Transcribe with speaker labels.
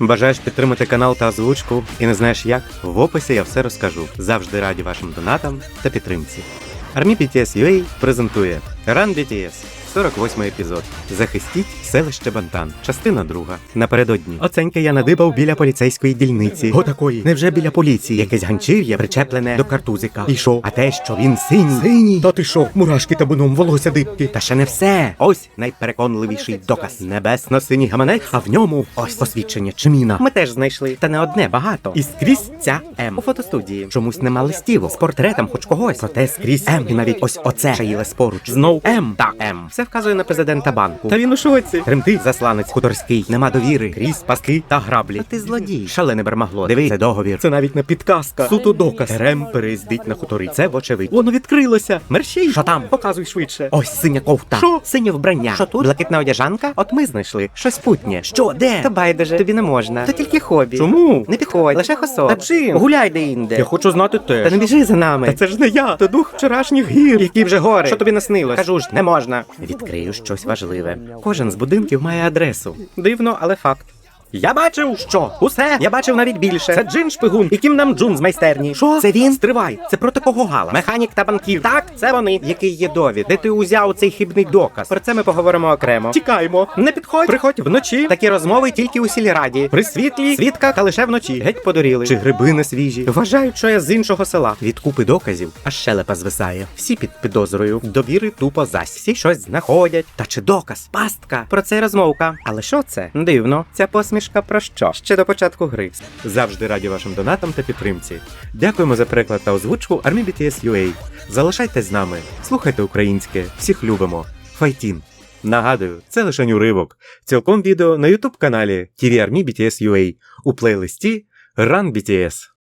Speaker 1: Бажаєш підтримати канал та озвучку і не знаєш як? В описі я все розкажу. Завжди раді вашим донатам та підтримці. Army BTS UA презентує Run BTS. 48 епізод. Захистіть селище Бантан. Частина 2. Напередодні. Оценьки я надибав біля поліцейської дільниці. Отакої. Невже біля поліції? Якесь ганчір'я причеплене до картузика. І шо? А те, що він синій. Синій? Та ти шо? Мурашки табуном, волосся дибки. Та ще не все. Ось найпереконливіший доказ. Небесно-синій гаманець, а в ньому ось посвідчення Чиміна. Ми теж знайшли. Та не одне, багато. І скрізь ця М. У фотостудії. Чомусь нема листівок. З портретом хоч когось. Проте скрізь М. І навіть ось оце шаїлес поруч. Знов М та М. Все вказує на президента банку. Та він у шоці. Тремтить засланець хуторський. Нема довіри. Крізь, паски та граблі. Та ти злодій. Шалене бермагло. Диви, це договір. Це навіть не підказка. Суто доказ. Рем переїздить на хутори. Це вочевидь. Воно відкрилося. Мерщій. Що там? Показуй швидше. Ось синя ковта. Що? Синє вбрання. Що тут? Блакитна одяжанка? От ми знайшли. Щось путнє. Що? Де? Та байдуже. Тобі не можна. То тільки хобі. Чому? Не підходь. Лише хосо. Та чим? Гуляй де-інде. Я хочу знати теж. Та не біжи за нами. Та це ж не я. Це дух вчорашніх гір. Які вже гори. Що тобі наснилось? Кажу ж, не можна. Відкрию щось важливе. Кожен з будинків має адресу. Дивно, але факт. Я бачив, що? Усе. Я бачив навіть більше. Це Джин шпигун. І Кім Нам Джун з майстерні. Що? Це він? Стривай. Це проти кого Гала? Механік та банкір. Так, це вони. Який є довід? Де ти узяв цей хибний доказ? Про це ми поговоримо окремо. Тікаймо. Не підходь. Приходь вночі. Такі розмови тільки у сільраді. При світлі, свідка та лише вночі. Геть подуріли. Чи гриби не свіжі. Вважають, що я з іншого села. Від купи доказів аж щелепа звисає. Всі під підозрою. Довіри тупо зась. Всі щось знаходять. Та чи доказ? Пастка. Про це й розмовка. Але що це? Дивно. Ця посмішка про що? Ще до початку гри. Завжди раді вашим донатам та підтримці. Дякуємо за переклад та озвучку Army BTS UA. Залишайтесь з нами. Слухайте українське. Всіх любимо. Файтін. Нагадую, це лише уривок. Цілком відео на YouTube каналі TV Army BTS UA у плейлисті Run BTS.